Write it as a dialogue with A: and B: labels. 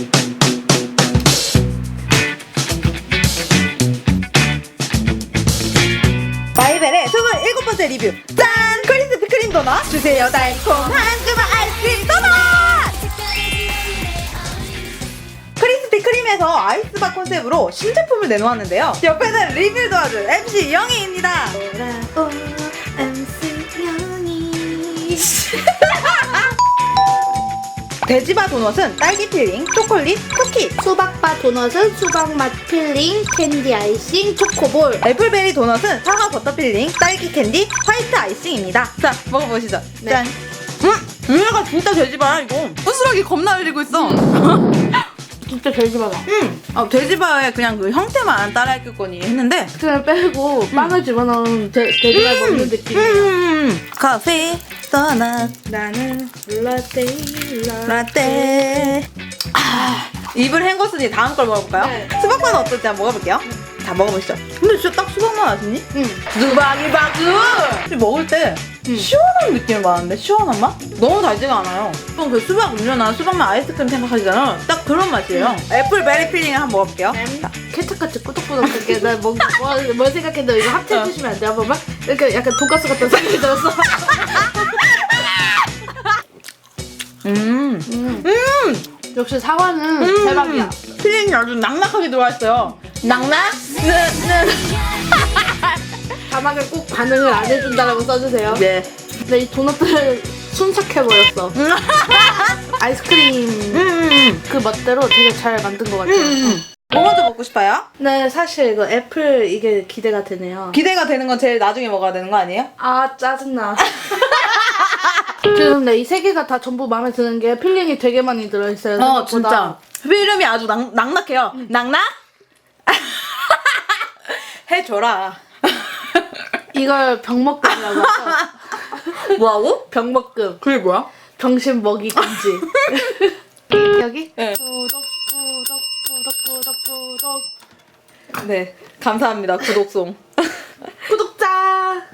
A: 마이벨의 27번째 리뷰. 짠! 크리스피 크림 도넛 주세요. 달콤한 그만 아이스크림 도넛. 크리스피 크림에서 아이스바 컨셉으로 신제품을 내놓았는데요. 옆에는 리뷰를 도와줄 MC 영희입니다. 돌아온 MC 영희. 돼지바 도넛은 딸기 필링, 초콜릿, 쿠키.
B: 수박바 도넛은 수박맛 필링, 캔디 아이싱, 초코볼.
A: 애플베리 도넛은 사과 버터 필링, 딸기 캔디, 화이트 아이싱입니다. 자, 먹어보시죠.
B: 네.
A: 짠. 얘가 진짜 돼지바야 이거. 부스러기 겁나 흘리고 있어.
B: 진짜 돼지바다.
A: 돼지바의 그냥 그 형태만 따라했겠거니 했는데
B: 그냥 빼고 빵을 집어넣은 돼지바 먹는 느낌이에요.
A: 커피, 도넛,
B: 나는 라떼.
A: 라떼. 입을 헹궜으니 다음 걸 먹어볼까요?
B: 네.
A: 수박맛은 어떨지 한번 먹어볼게요. 자, 먹어보시죠. 근데 진짜 딱 수박맛 아시니? 수박이 바구! 먹을 때 시원한 느낌이 많은데? 시원한 맛? 너무 달지가 않아요. 보통 그 수박 음료나 수박맛 아이스크림 생각하시잖아요. 딱 그런 맛이에요. 애플베리 필링을 한번 먹어볼게요. 자.
B: 케첩같이 꾸덕꾸덕하게 뭘 생각했는데 이거 합체해주시면 안 돼요? 한 번만? 이렇게 약간 돈가스 같은 생각이 들었어. 역시 사과는 대박이야.
A: 필링이 아주 낙낙하게 들어와있어요. 낙낙?
B: 자막에 꼭 반응을 안 해준다라고 써주세요.
A: 네.
B: 근데 이 도넛들 순삭해버렸어. 아이스크림 그 멋대로 되게 잘 만든 것 같아요.
A: 뭐 먼저 먹고 싶어요?
B: 네, 사실 이거 애플 이게 기대가 되네요.
A: 기대가 되는 건 제일 나중에 먹어야 되는 거 아니에요?
B: 아, 짜증나. 지금 이 세 개가 다 전부 마음에 드는 게 필링이 되게 많이 들어있어요. 생각보다.
A: 진짜. 필름이 아주 낙낙해요. 낙낙? 해줘라.
B: 이걸 병먹금이라고 하죠.
A: 뭐하고?
B: 병먹금.
A: 그게 뭐야?
B: 병신 먹이 금지. 여기?
A: 네.
B: 구독.
A: 네. 감사합니다. 구독송. 구독!